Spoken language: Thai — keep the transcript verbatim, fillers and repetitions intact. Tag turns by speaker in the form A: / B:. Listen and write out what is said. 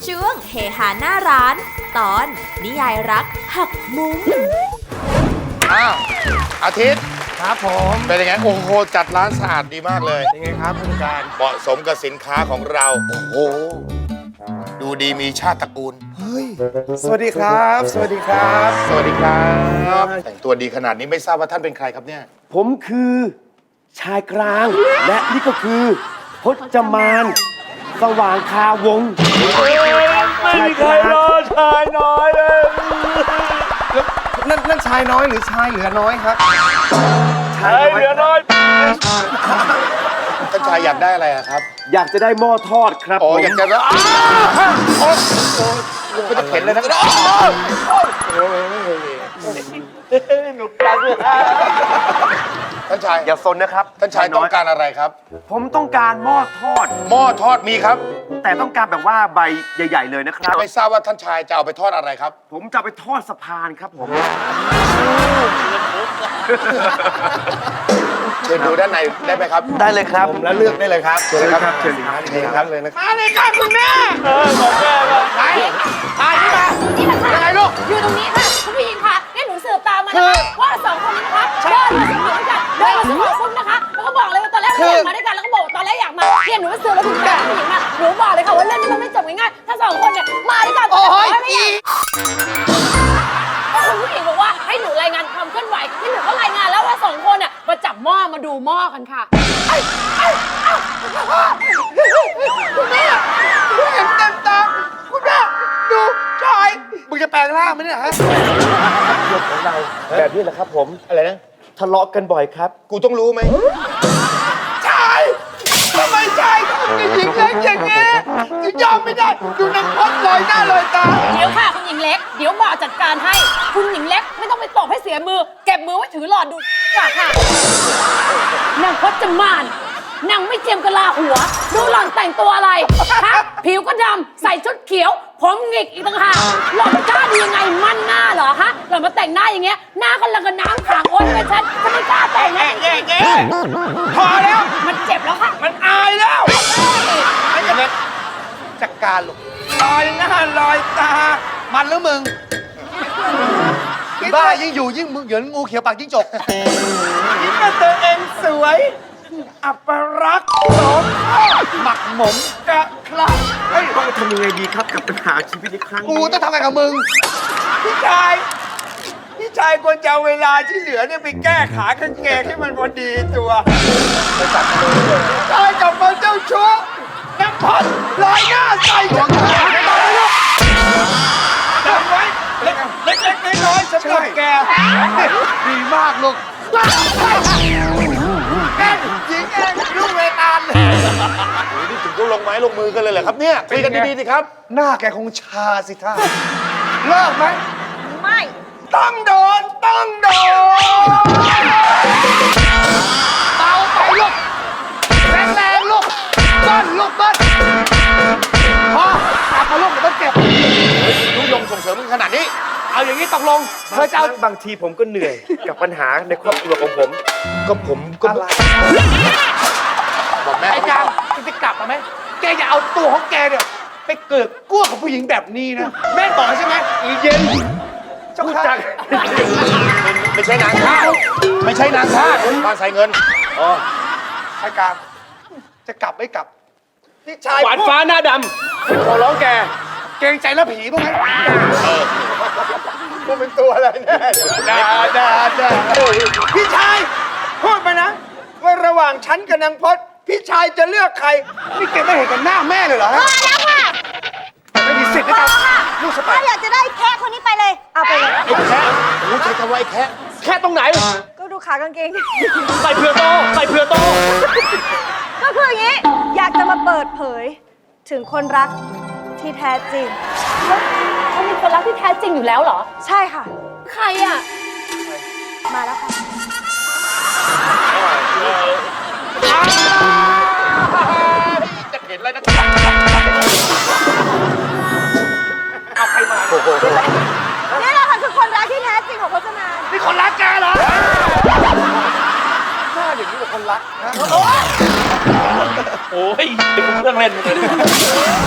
A: ช่วงเฮฮาหน้าร้าน ตอนนิยายรักหักมุม
B: อ้าวอาทิตย์
C: ครับผม
B: เป็นยังไงโอ้โหจัดร้านสะอาดดีมากเลย
C: ยังไงครับผู้จัดการ
B: เหมาะสมกับสินค้าของเราโอ้โหดูดีมีชาติตระกูล
C: เฮ้ยสวัสดีครับ สวัสดีครับ
B: สวัสดีครับแต่งตัวดีขนาดนี้ไม่ทราบว่าท่านเป็นใครครับเนี่ย
C: ผมคือชายกลาง และนี่ก็คือพจมานสว่างคาวงไม่มีใครรอชายน้อยเลยนั่นนั่นชายน้อยหรือชายเหลือน้อยครับชายเหลือน้อย
B: ท่านชายอยากได้อะไรอะครับ
C: อยากจะได้หม้อทอดครับ
B: อ๋อ
C: ผม
B: อยากจะอ้าวโอ้โหก็จะเข็นเลยนะท่านชาย
C: อย่าซนนะครับ
B: ท่านชายต้องการอะไรครับ
C: ผมต้องการหม้อทอด
B: หม้อทอดมีครับ
C: แต่ต้องการแบบว่าใบใหญ่ ๆ เลยนะครับ
B: ไม่ทราบว่าท่านชายจะเอาไปทอดอะไรครับ
C: ผมจะเอาไปทอดสะพานครับผม
B: เชิญดูด้านในได้ไหมครับ
C: ได้เลยครับ
B: แล้วเลือกได้เลยครับเชิญเลยครับ
C: เชิญครับเชิญครับเลยนะครับ
B: มาเลยครับคุณแม่เออบอกแม่ว่าไหนตายที่มา
D: นี่แหละค่ะ
B: ยังไงลูก
D: อยู่ตรงนี้ค่ะคุณผู้หญิงค่ะนี่หนูสืบตามมานะคะว่าสองคนนี้นะคะเดินมาซื้อของด้วยกันเดินมาซื้อของปุ๊บนะคะแล้วก็บอกเลยว่าตอนแรกไม่อยากมาด้วยกันแล้วก็บอกตอนแรกอยากมาเนี่ยหนูสืบแล้วถึงแบบผู้หญิงมาหนูบอกเลยค่ะว่าเรื่องนี้มันไม่จบง่ายๆถ้าสองคนเนี่ยมาด้วยกัน
B: โอ้ย
D: ไม่อยากคุณผู้หญิงบอกว่าให้หนูรายงานความเคลื่อนไหวที่หนูก็รายงานแล้วว่าสองคนเนี่ยมาจับหม้อมาดูหม้อกันค่ะไอ้ไอ้ไอ้คุณแม่เห็นเต็มตาคุณแม่ดูชาย
B: มึงจะแปลงร่างไหมเนี่ยฮะ
C: เรื่องของเราแบบนี้แหละครับผม
B: อะไรนะ
C: ทะเลาะกันบ่อยครับ
B: กูต้องรู้ไหม
D: ชายทำไมชายทำกับหญิงเล็กอย่างนี้ถึงยอมไม่ได้ดูนางพดลอยหน้าลอยตาเดี๋ยวค่ะคุณหญิงเล็กเดี๋ยวหมอจัดการให้คุณหญิงเล็กไม่ต้องไปตบให้เสียมือเก็บมือไว้ถือหลอดดูก่อนค่ะนางพจมานนางไม่เจียมกะลาหัวดูหล่อนแต่งตัวอะไรฮะผิวก็ดำใส่ชุดเขียวผมหงิกอีกต่างหากหล่อนกล้าดียังไงมั่นหน้าเหรอฮะหล่อนมาแต่งหน้าอย่างเงี้ยหน้าก็ลังกับน้ำขังโอ๊ยเป็นฉันฉันไม่กล้าแต่งนะแย่แย่พอแล้วมันเจ็บแล้วค่ะมันอายแล้วไอ้เล็กจัดการลูกลอยหน้าลอยตามันหรือมึงบ้ายิ่งอยู่ยิ่งมึงเหยินงูเขียวปากจิ้งจกยิ่งกับตัวเองสวยอัปรักษ์สมหมักหมมกะคลัก
C: เฮ้ยต้องทำยังไงดีครับกับปัญหาชีวิตในครั้ง
B: กู
C: นี้
B: ต้องทำไงกับมึง
D: พี่ชาย พี่ชายควรจะเอาเวลาที่เหลือเนี่ยไปแก้ขากางเกงให้มันพอดีตัวชายกลับมาเจ้าชู้น้ำพันลอยหน้าใส่ฉันจำไว้เล็กเล็กเล็กน้อยๆสำหรับแกดีมากลูกแกหญิงเองลูกเวตาลเลย
B: โอ้ยนี่ถึงก็ลงไม้ลงมือกันเลยเหรอครับเนี่ยคุยกันดีๆสิครับ
C: หน้าแกคงชาสิท่า
D: เลิกไหมไม่ต้องโดนต้องโดนเบาไปลูกแรงแรงลูกเบิ้ลลูกเบิ้ลพอกลับมาลูกเดี๋ยวต้องเก็บ
B: ลุงยงส่งเสริมมึงขนาดนี้
D: เอาอย่างนี้ตกลงเธอจะเอา
C: บางทีผมก็เหนื่อย กับปัญหาในครอบครัวของผม
B: ก็ผมก็
C: อะไร
B: บอกแม่
D: ไอ้จางจะกลับมาไหมแกอย่าเอาตัวของแกเนี่ยไปเกิดกู้กับผู้หญิงแบบนี้นะแม่บอกใช่ไหมอีเย็นเจ้าค่ะ
B: ไม่ใช่นางทาสไม่ใช่นางทาสบ้านใส่เงิน
C: อ๋อ
D: ไอ้กลางจะกลับไม่กลับพี่ชาย
C: หวานฟ้าหน้าดำขอร้องแก
D: เกรงใจแล้วผีบ้างไหม
B: กูเป็นตัวอะไรแน่
D: ด่าด่าด่าพี่ชายพูดไปนะว่าระหว่างฉันกับนางพจน์พี่ชายจะเลือกใครนี่แกไม่เห็นกันหน้าแม่เลยเหรอ
E: พอแล้วค่ะ
D: ไม่มีสิทธิ์
E: พ
D: นะ
E: อ
D: ครับ
E: ค่ะ
D: ลูกสะใภ้
E: ถ้าอยากจะได้แค่คนนี้ไปเลย เอาไปเลย
B: ไอ้แค่โอ้ใช้คำว่าไอ้แค่
C: แค่ตรงไหน
E: ก็ดูขากางเกง
C: ใส่เพื่อโต ใส่เพื่อโต
E: ก็คืออย่างนี้ อยากจะมาเปิดเผย ถึงคนรักที่แท้จริง
D: เขามีคนรักที่แท้จริงอยู่แล้วเหรอ
E: ใช่ค่ะ
D: ใครอ่ะ
E: มาแล้วค่ะ
B: จะเห็นอะไรนะ
D: เอาใครมา
B: โอ้โห
E: นี่แหละค่ะคือคนรักที่แท้จริงของพจมาน
D: นี่คนรักแกเหรอ
B: หน้าอย่างนี้กับคนรักนะ
C: โอ้ยเป็นเครื่องเล่นเลย